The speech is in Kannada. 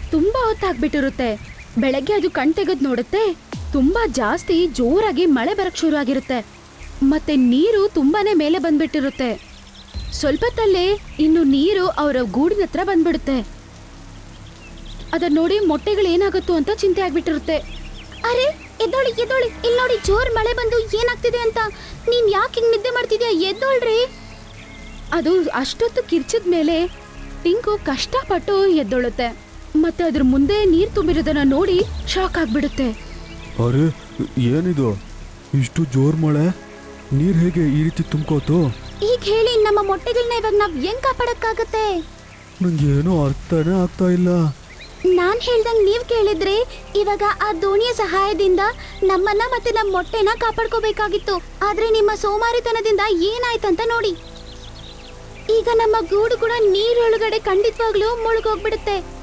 ತುಂಬಾ ಹೊತ್ತಾಗ್ಬಿಟ್ಟಿರುತ್ತೆ. ಬೆಳಗ್ಗೆ ಅದು ಕಣ್ ತೆಗೆದ್ ನೋಡುತ್ತೆ, ತುಂಬಾ ಜಾಸ್ತಿ ಜೋರಾಗಿ ಮಳೆ ಬರಕ್ ಶುರು ಆಗಿರುತ್ತೆ. ಮತ್ತೆ ನೀರು ತುಂಬಾನೇ ಮೇಲೆ ಬಂದ್ಬಿಟ್ಟಿರುತ್ತೆ. ಸ್ವಲ್ಪತ್ತಲ್ಲೇ ಇನ್ನು ನೀರು ಅವರ ಗೂಡಿನ ಹತ್ರ ಬಂದ್ಬಿಡುತ್ತೆ. ಅದನ್ನ ನೋಡಿ ಮೊಟ್ಟೆಗಳು ಏನಾಗುತ್ತೋ ಅಂತ ಚಿಂತೆ ಆಗ್ಬಿಟ್ಟಿರುತ್ತೆ. ಅರೆ ಎದ್ದೋಳಿ ಎದ್ದೋಳಿ, ಇಲ್ಲಿ ನೋಡಿ ಜೋರ್ ಮಳೆ ಬಂದು ಏನಾಗ್ತಿದೆ ಅಂತ. ನೀನ್ ಯಾಕೆ ಹಿಂಗ್ ನಿದ್ದೆ ಮಾಡ್ತಿದ್ಯಾ, ಎದ್ದೋಳ್ರಿ. ಅದು ಅಷ್ಟೊತ್ತು ಕಿರ್ಚಿದ ಮೇಲೆ ಟಿಂಕು ಕಷ್ಟಪಟ್ಟು ಎದ್ದೊಳುತ್ತೆ. ಮತ್ತೆ ಅದ್ರ ಮುಂದೆ ನೀರ್ ತುಂಬಿರೋದನ್ನ ನೋಡಿ ಶಾಕ್ ಆಗ್ಬಿಡುತ್ತೆ. ಅರೆ ಏನಿದು, ಇಷ್ಟು ಜೋರ್ ಮಳೆ, ನೀರ್ ಹೇಗೆ ಈ ರೀತಿ ತುಂಬ್ಕೋತು? ಈಗ ಹೇಳಿ, ನಮ್ಮ ಮೊಟ್ಟೆಗಳನ್ನ ಇವಾಗ ನಾವ್ ಹೆಂಗ್ ಕಾಪಾಡಕ್ಕಾಗತ್ತೆ? ನಂಗೇನೋ ಅರ್ಥನೇ ಆಗ್ತಾ ಇಲ್ಲ. ನಾನ್ ಹೇಳ್ದಂಗ್ ನೀವ್ ಕೇಳಿದ್ರೆ ಇವಾಗ ಆ ದೋಣಿಯ ಸಹಾಯದಿಂದ ನಮ್ಮನ್ನ ಮತ್ತೆ ನಮ್ಮ ಮೊಟ್ಟೆನ ಕಾಪಾಡ್ಕೋಬೇಕಾಗಿತ್ತು. ಆದ್ರೆ ನಿಮ್ಮ ಸೋಮಾರಿತನದಿಂದ ಏನಾಯ್ತಂತ ನೋಡಿ. ಈಗ ನಮ್ಮ ಗೂಡು ಕೂಡ ನೀರೊಳಗಡೆ ಖಂಡಿತವಾಗ್ಲೂ ಮುಳುಗೋಗ್ಬಿಡುತ್ತೆ.